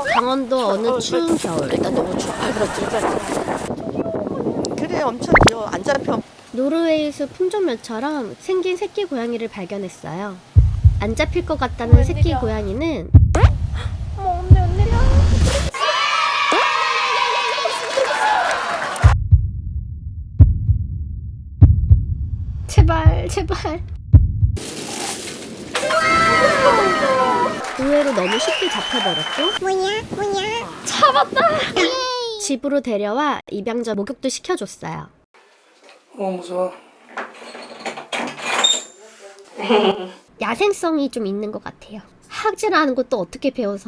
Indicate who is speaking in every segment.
Speaker 1: 강원도 어느 추운 겨울.
Speaker 2: 일단 너무 추워. 그렇지. 그래, 엄청 귀여워. 안 잡혀.
Speaker 1: 노르웨이수 품종묘처럼 생긴 새끼 고양이를 발견했어요. 안 잡힐 것 같다는 새끼 고양이는
Speaker 3: 언니야.
Speaker 1: 제발. 의외로 너무 쉽게 잡혀버렸고
Speaker 3: 뭐냐?
Speaker 1: 잡았다. 집으로 데려와 입양 전 목욕도 시켜줬어요.
Speaker 4: 무서워.
Speaker 1: 야생성이 좀 있는 것 같아요. 학질하는 것도 어떻게 배워서.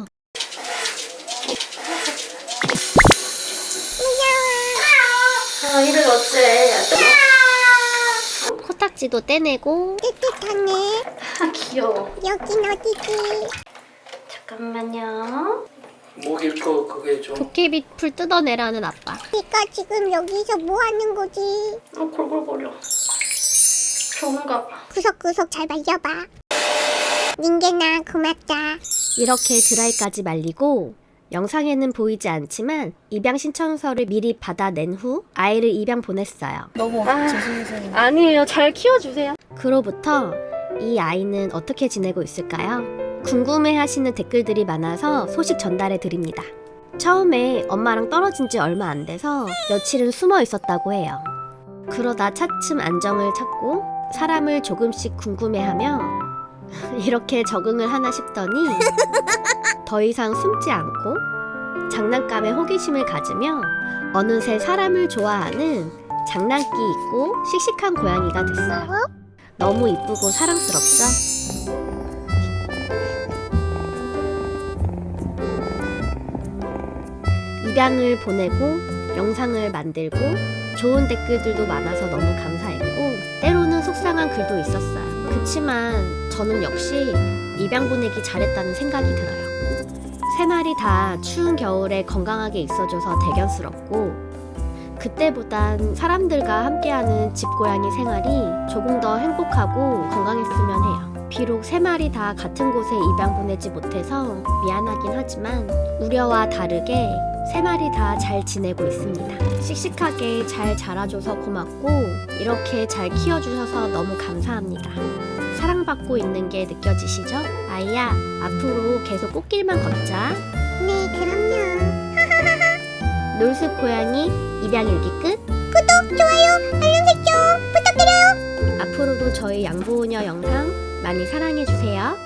Speaker 1: 이를 어째. 코딱지도 떼내고.
Speaker 3: 뜨뜻하네.
Speaker 1: 귀여워.
Speaker 3: 여긴 어디지?
Speaker 1: 잠깐만요.
Speaker 4: 목일 거 그게 좀.
Speaker 1: 도깨비 풀 뜯어내라는 아빠.
Speaker 3: 네가 지금 여기서 뭐 하는 거지?
Speaker 1: 골골거려. 좋은가 봐.
Speaker 3: 구석구석 잘 말려봐. 닌게나 고맙다.
Speaker 1: 이렇게 드라이까지 말리고 영상에는 보이지 않지만 입양 신청서를 미리 받아낸 후 아이를 입양 보냈어요.
Speaker 5: 너무 죄송해서.
Speaker 1: 아니에요. 잘 키워주세요. 그로부터 이 아이는 어떻게 지내고 있을까요? 궁금해하시는 댓글들이 많아서 소식 전달해 드립니다. 처음에 엄마랑 떨어진 지 얼마 안 돼서 며칠은 숨어 있었다고 해요. 그러다 차츰 안정을 찾고 사람을 조금씩 궁금해하며 이렇게 적응을 하나 싶더니 더 이상 숨지 않고 장난감에 호기심을 가지며 어느새 사람을 좋아하는 장난기 있고 씩씩한 고양이가 됐어요. 너무 이쁘고 사랑스럽죠? 입양을 보내고 영상을 만들고 좋은 댓글들도 많아서 너무 감사했고 때로는 속상한 글도 있었어요. 그치만 저는 역시 입양 보내기 잘했다는 생각이 들어요. 세 마리 다 추운 겨울에 건강하게 있어줘서 대견스럽고 그때보단 사람들과 함께하는 집고양이 생활이 조금 더 행복하고 건강했으면 해요. 비록 세 마리 다 같은 곳에 입양 보내지 못해서 미안하긴 하지만 우려와 다르게 세 마리 다 잘 지내고 있습니다. 씩씩하게 잘 자라줘서 고맙고 이렇게 잘 키워주셔서 너무 감사합니다. 사랑받고 있는 게 느껴지시죠? 아이야, 앞으로 계속 꽃길만 걷자.
Speaker 3: 네, 그럼요.
Speaker 1: 놀숲 고양이 입양일기 끝.
Speaker 3: 구독, 좋아요, 알림 설정 부탁드려요.
Speaker 1: 앞으로도 저희 양보우녀 영상 많이 사랑해주세요.